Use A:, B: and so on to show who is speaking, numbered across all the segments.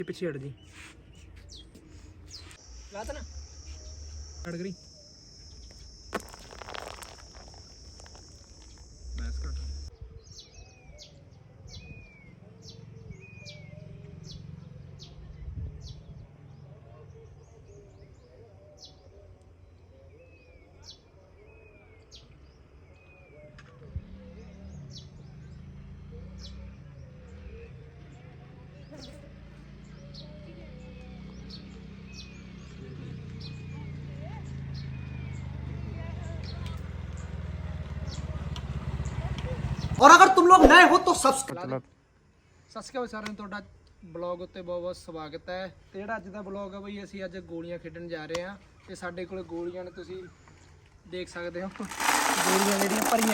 A: ਪਿੱਛੇ ਹਟ ਜੀ ਲਾਤਾ ਨਾ ਹਟ ਗਈ ਮੈਸ ਕੱਟ
B: और अगर तुम लोग नए हो तो सब्सक्राइब
A: ਸਤਿ ਸ਼੍ਰੀ ਅਕਾਲ ਸਾਰਿਆਂ ਨੂੰ ਤੁਹਾਡਾ ਬਲੌਗ ਉੱਤੇ ਬਹੁਤ ਬਹੁਤ ਸਵਾਗਤ ਹੈ। ਤੇ ਜਿਹੜਾ ਅੱਜ ਦਾ ਬਲੌਗ ਹੈ ਬਈ ਅਸੀਂ ਅੱਜ ਗੋਲੀਆਂ ਖੇਡਣ ਜਾ ਰਹੇ ਹਾਂ ਤੇ ਸਾਡੇ ਕੋਲ ਗੋਲੀਆਂ ਨੇ ਤੁਸੀਂ ਦੇਖ ਸਕਦੇ ਹੋ ਗੋਲੀਆਂ ਜਿਹੜੀਆਂ ਭਰੀਆਂ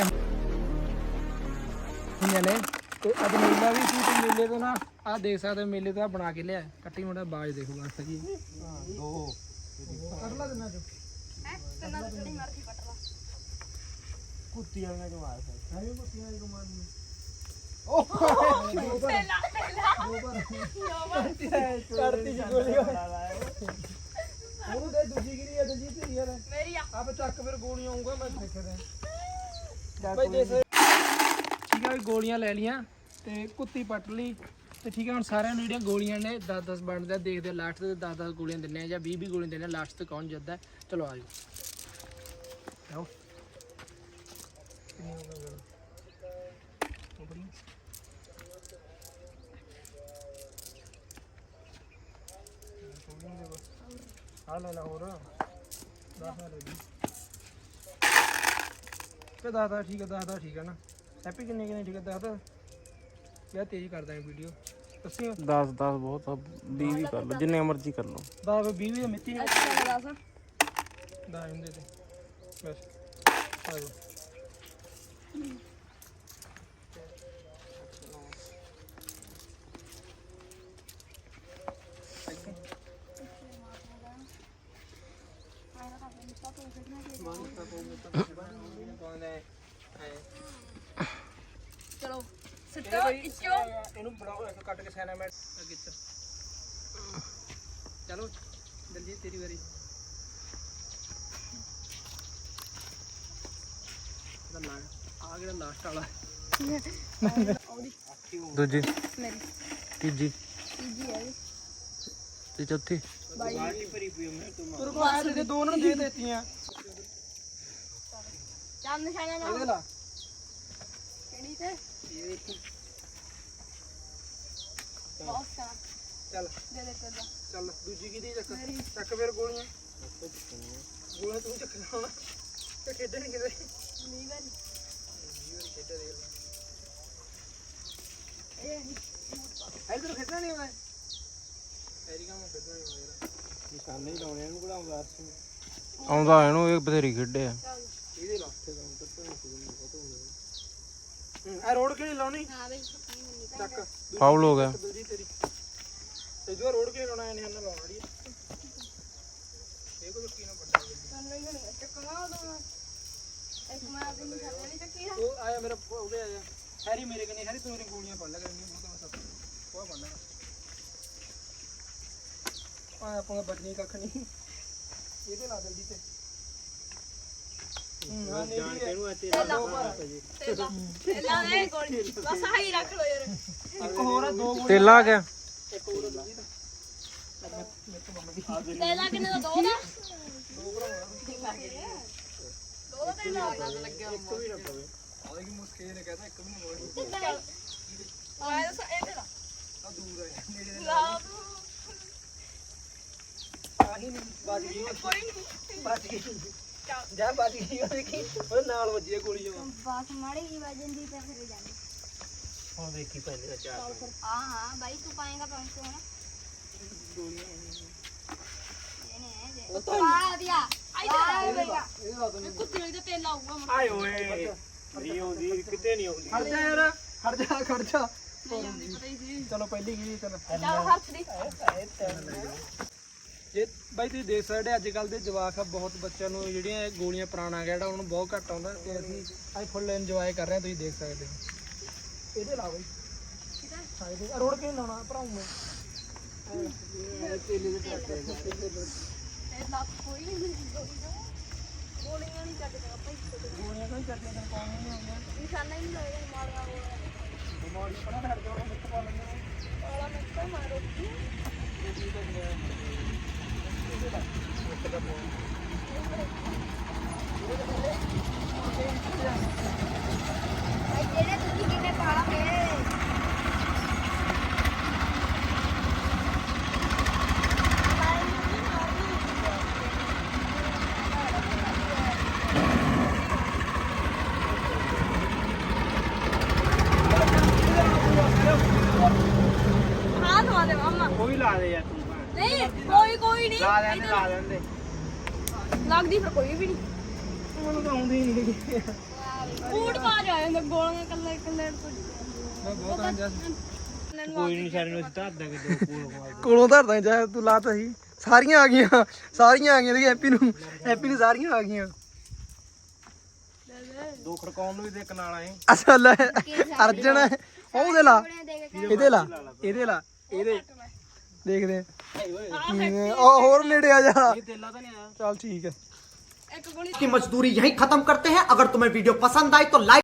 A: ਹੋਈਆਂ ਨੇ ਤੇ ਅੱਜ ਮੇਲਾ ਵੀ ਸੀ ਤੇ ਮੇਲੇ ਤੋਂ ਨਾ ਆਹ ਦੇਖ ਸਕਦੇ ਹੋ ਮੇਲੇ ਤੋਂ ਆਹ ਬਣਾ ਕੇ ਲਿਆ ਕੱਟੀ ਮੁੰਡਾ ਬਾਜ ਦੇਖੋ ਬਸ ਜੀ ਦੋ ਕੱਢ ਲਾ ਦਿੰਨਾ ਜੋ
C: ਤੈਨਾਂ ਦੀ ਜਿਹੜੀ ਮਰਜ਼ੀ ਕੱਟ ਲਾ
A: ਕੁੱਤੀ ਵਾਲੀਆਂ ਜੋ ਮਾਰ ਹੈ ਵੀ ਕੁੱਤੀਆਂ ਵਾਲੀ ਕਮਾਨ ਨੂੰ
C: ਪਹਿਲਾ
A: ਕਰਤੀ ਜੀ ਗੋਲੀ ਉਹਨੂੰ ਦੇ ਦੂਜੀ ਗਿਰੀ ਹੈ ਦੂਜੀ ਧੀ ਯਾਰ
C: ਮੇਰੀ ਆ
A: ਆਪ ਚੱਕ ਫਿਰ ਗੋਲੀਆਂ ਆਉਂਗਾ ਮੈਂ ਦੇਖਦਾ ਭਾਈ ਦੇਖ ਠੀਕ ਹੈ ਵੀ ਗੋਲੀਆਂ ਲੈ ਲੀਆਂ ਤੇ ਕੁੱਤੀ ਪੱਟ ਲਈ ਤੇ ਠੀਕ ਹੈ ਹੁਣ ਸਾਰਿਆਂ ਨੂੰ ਜਿਹੜੀਆਂ ਗੋਲੀਆਂ ਨੇ 10-10 ਬਣਦੇ ਦੇਖਦੇ ਲਾਸਟ ਤੇ 10-10 ਗੋਲੀਆਂ ਦਿੰਨੇ ਆ ਜਾਂ 20-20 ਗੋਲੀਆਂ ਦਿੰਨੇ ਆ ਲਾਸਟ ਤੇ ਕੌਣ ਜਿੱਤਦਾ ਚਲੋ ਆ ਜਾਓ ਆਓ ਆ ਲੈ ਲਾ ਹੋਰ 10 ਲੈ ਲਈ ਤੇ 10 ਠੀਕ ਹੈ 10 ਠੀਕ ਹੈ ਨਾ ਹੈਪੀ ਕਿੰਨੇ ਠੀਕ ਹੈ 10 ਯਾਰ ਤੇਜ਼ ਕਰਦਾ ਹੈ ਵੀਡੀਓ ਤੁਸੀਂ
D: 10 ਬਹੁਤ ਆ 20 ਵੀ ਕਰ ਲਓ ਜਿੰਨੇ ਮਰਜ਼ੀ ਕਰ ਲਓ
A: 10 20 ਦੀ ਮਿੱਤੀ ਨਹੀਂ
C: ਅੱਛਾ ਦੱਸ
A: 10 ਹੁੰਦੇ ਤੇ ਬਸ ਆ ਜਾਓ
C: ਚਲੋ ਸਿੱਟੋ ਇੱਚੋ
A: ਇਹਨੂੰ ਬਣਾਓ ਇੱਕ ਕੱਟ ਕੇ ਸੈਨਾ ਮੈਂ ਅੱਗੇ ਚਲੋ ਜਲਦੀ ਤੇਰੀ ਵਾਰੀ ਆ ਗਿਆ ਲਾਸਟ ਵਾਲਾ
D: ਦੂਜੀ
C: ਮੇਰੀ
D: ਤੀਜੀ
C: ਤੀਜੀ ਹੈ
D: ਤੇ ਚੌਥੀ
A: ਤੇਰੇ ਕੋਲ ਆਏ ਤੇ ਦੋ ਉਹਨਾਂ ਨੂੰ ਦੇ ਦਿੱਤੀਆਂ
C: ਚਾਰ ਨਿਸ਼ਾਨਾ
A: ਇਹਦੇ
C: ਨਾ
A: ਲਾ
C: ਕਿਹੜੀ ਤੇ
A: ਇਹ ਦੇਖੀ
C: ਬਹੁਤ ਸਾਰਾ
A: ਚੱਲ
C: ਦੇ ਦੇ ਕਰ
A: ਚੱਲ ਦੂਜੀ ਕਿਹਦੀ ਚੱਕ ਫਿਰ ਗੋਲੀਆਂ ਗੋਲੀਆਂ ਤੂੰ ਚੱਕਣਾ ਹੁਣ ਤੇ ਖੇਡਣ ਕਿਤੇ
C: ਨਹੀਂ ਵਾਰੀ
A: ਖੇਡਿਆ ਦੇਖ
C: ਇਹ
A: ਇੱਧਰ ਖੇਡਣਾ ਨਹੀਂ ਆਉਂਦਾ ਐਰੀਗਾ ਮੈਂ ਖੇਡਣਾ ਨਹੀਂ ਆਉਂਦਾ ਨਿਸ਼ਾਨੇ ਹੀ ਲਾਉਣੇ ਇਹਨੂੰ ਕਿਹੜਾ ਆਉਂਦਾ
D: ਆਉਂਦਾ ਇਹਨੂੰ ਇਹ ਬਥੇਰੀ ਖੇਡੇ ਆ
A: ਇਹਦੇ ਲਾਸਟੇ ਦਾ ਅੰਤਰ ਤਾਂ ਬਹੁਤ ਹੋ ਗਿਆ ਆ ਰੋਡ ਕਿਹੜੀ ਲਾਉਣੀ
C: ਹਾਂ ਬਈ
A: ਚੱਕ
D: ਫਾਉਲ ਹੋ ਗਿਆ
A: ਦੂਜੀ ਤੇਰੀ ਤੇ ਜੋ ਰੋਡ ਕਿਹੜੀ ਲਾਉਣਾ ਇਹਨੇ ਹੰਨਾ ਲਾਉਣਾ ਜੀ ਇਹ ਕੋ ਕੀ ਨਾ ਵੱਡਾ
C: ਤੁਹਾਨੂੰ ਨਹੀਂ ਚੱਕਣਾ ਦੋ ਇੱਕ ਮੈਂ ਆਪਣੀ ਨਿਸ਼ਾਨਾ ਨਹੀਂ ਚੱਕੀ
A: ਉਹ ਆਇਆ ਮੇਰਾ ਉਹਦੇ ਆਇਆ ਹੈਰੀ ਮੇਰੇ ਕਨੇ ਹੈਰੀ ਤੂੰ ਮੇਰੀ ਗੋਲੀਆਂ ਪੜ ਲੈ ਕਰਨੀ ਉਹ ਤਾਂ ਬਸ ਉਹ ਪੜ ਲੈ ਆ ਆਪਾਂ ਬਚਣੀ ਕੱਖ ਨਹੀਂ ਇਹਦੇ ਲਾ ਜਲਦੀ ਤੇ ਹਾਂ ਨਹੀਂ ਇਹਨੂੰ
C: ਪਹਿਲਾਂ ਇਹ ਗੋਲੀ ਬਸ ਆਹੀ ਰੱਖ ਲੋ ਯਾਰ
A: ਇੱਕ ਹੋਰ ਆ ਦੋ ਗੋਲੀਆਂ
D: ਤੇਲਾ ਆ ਗਿਆ
A: ਇੱਕ ਹੋਰ ਦੂਜੀ ਦਾ
C: ਤੇਲਾ ਕਿੰਨੇ ਦਾ ਦੋ ਦਾ ਦੋ ਦਾ ਤੇਲਾ ਲੱਗਿਆ
A: ਇੱਕ ਵੀ ਨਾ ਪਵੇ ਆਹ ਕੀ ਮੁਸ਼ਕਿਲ ਨੇ ਕਹਿੰਦਾ ਇੱਕ ਵੀ ਨਾ ਪਵੇ
C: ਆਇਆ ਤਾਂ ਇਹ ਤੇਲਾ
A: ਆ ਦੂਰ ਹੈ ਨੇੜੇ
C: ਲਾ
A: ਆਹੀ ਨਹੀਂ ਬਾਜ ਗਈ
C: ਕੋਈ ਨਹੀਂ
A: ਬਾਜ ਗਈ ਜਾ ਬਾਜ ਗਈ ਉਹ ਦੇਖੀ ਉਹ ਨਾਲ ਵੱਜੀ ਆ ਗੋਲੀ ਜਮਾ
C: ਬਾਸ ਮਾੜੀ ਹੀ ਵਜਨ ਦੀ ਤੇ ਫਿਰ ਜਾਂਦੀ
A: ਹੁਣ ਦੇਖੀ ਪਹਿਲੇ ਦਾ ਚਾਰ
C: ਹਾਂ ਹਾਂ ਭਾਈ ਤੂੰ ਪਾਏਗਾ 500 ਨਾ ਉਹ ਤਾਂ ਆ ਦਿਆ ਆਈ ਦੇਗਾ
A: ਇਹਦੇ ਲਾ ਦੋ
C: ਕੁੱਤੀ ਵਾਲੀ ਦਾ ਤੇਲ ਆਊਗਾ ਮਨ
A: ਆਏ ਓਏ ਨਹੀਂ ਆਉਂਦੀ ਕਿਤੇ ਨਹੀਂ ਆਉਂਦੀ ਖੜ ਜਾ ਯਾਰ ਖੜ ਜਾ
C: ਪਤਾ ਹੀ ਸੀ
A: ਚਲੋ ਪਹਿਲੀ ਗਈ ਚਲ
C: ਚੱਲ ਹੱਥ ਦੀ
A: ਜੇ ਬਾਈ ਤੁਸੀਂ ਦੇਖ ਸਕਦੇ ਅੱਜ ਕੱਲ ਦੇ ਜਵਾਕ ਆ ਬਹੁਤ ਬੱਚਿਆਂ ਨੂੰ ਜਿਹੜੀਆਂ ਇਹ ਗੋਲੀਆਂ ਪੁਰਾਣਾ ਗਿਆ ਜਿਹੜਾ ਉਹਨੂੰ ਬਹੁਤ ਘੱਟ ਆਉਂਦਾ ਤੇ ਅਸੀਂ ਅੱਜ ਫੁੱਲ ਇੰਜੋਏ ਕਰ ਰਹੇ ਹਾਂ ਤੁਸੀਂ ਦੇਖ ਸਕਦੇ ਹੋ ਇਹਦੇ ਲਾ ਬਾਈ
C: ਕਿਹਦਾ
A: ਹਾਂ ਇਹਦੇ ਰੋੜ ਕੇ ਲਾਉਣਾ ਭਰਾਉਂ ਮੈਂ
C: ਇਹ ਲੱਕ ਕੋਈ ਨਹੀਂ ਗੋਲੀਆਂ ਨਹੀਂ ਚੱਕਦਾ ਆਪਾਂ
A: ਗੋਲੀਆਂ ਕੋਈ ਚੱਲਦੀਆਂ ਤੇ ਕੌਣ ਨਹੀਂ ਆਉਂਦੀਆਂ
C: ਨਿਸ਼ਾਨਾ ਹੀ ਨਹੀਂ ਲੱਗਦਾ ਮਾਰਿਆ ਹੋਇਆ
A: ਬਿਮਾਰੀ ਪੜਾ ਹਟ ਜਾਣਾ ਮਿੱਟ ਪਾ ਲੈਂਦੇ
C: ਵਾਲਾ ਮੈਂ ਤਾਂ ਮਾਰੋ ਭਾਈ ਜਿਹੜੇ ਤੁਸੀਂ ਕਿੰਨੇ ਪਾਲਾਂਗੇ ਹਾਂ ਦਵਾ ਦੇ ਮਾਮਾ
A: ਉਹ ਵੀ ਲਾ ਦੇ ਯਾਰ ਤੂੰ
C: ਨਹੀਂ ਕੋਈ ਨਹੀਂ
A: ਲਾ ਲੈਂਦੇ
C: ਲੱਗਦੀ ਫਿਰ ਕੋਈ ਵੀ ਨਹੀਂ
A: ਮੈਨੂੰ ਤਾਂ ਆਉਂਦੀ ਨਹੀਂ
C: ਬੂਟ ਪਾ ਜਾ ਜਾਂਦਾ ਗੋਲੀਆਂ ਕੱਲੇ ਕੱਲੇ
A: ਮੈਂ ਬਹੁਤ ਅੰਜਾ
D: ਕੋਈ ਨਹੀਂ ਸਾਰੇ ਨੂੰ ਅਸੀਂ ਧਰ ਦਾਂਗੇ ਦੋ ਕੋਲ
A: ਕੋਲੋਂ ਧਰਦਾ ਜਾ ਤੂੰ ਲਾਤਾ ਸੀ ਸਾਰੀਆਂ ਆ ਗਈਆਂ ਤੇ ਹੈਪੀ ਨੂੰ ਸਾਰੀਆਂ ਆ ਗਈਆਂ
D: ਦੋ ਖੜਕਾਉਣ ਨੂੰ ਵੀ ਦੇ ਕਨਾਲ ਆਏ
A: ਅੱਛਾ ਲੈ ਅਰਜਨ ਉਹਦੇ ਲਾ ਇਹਦੇ ਲਾ ਦੇਖਦੇ ਉਹ ਹੋਰ ਨੇੜੇ ਆ ਜਾ
D: ਤੇਲਾ ਤਾਂ ਨਹੀਂ ਆਇਆ
A: ਚੱਲ ਠੀਕ ਹੈ
C: ਇੱਕ ਗੋਲੀ
B: की मजदूरी यहीं खत्म करते हैं। अगर तुम्हें वीडियो पसंद आई तो लाइक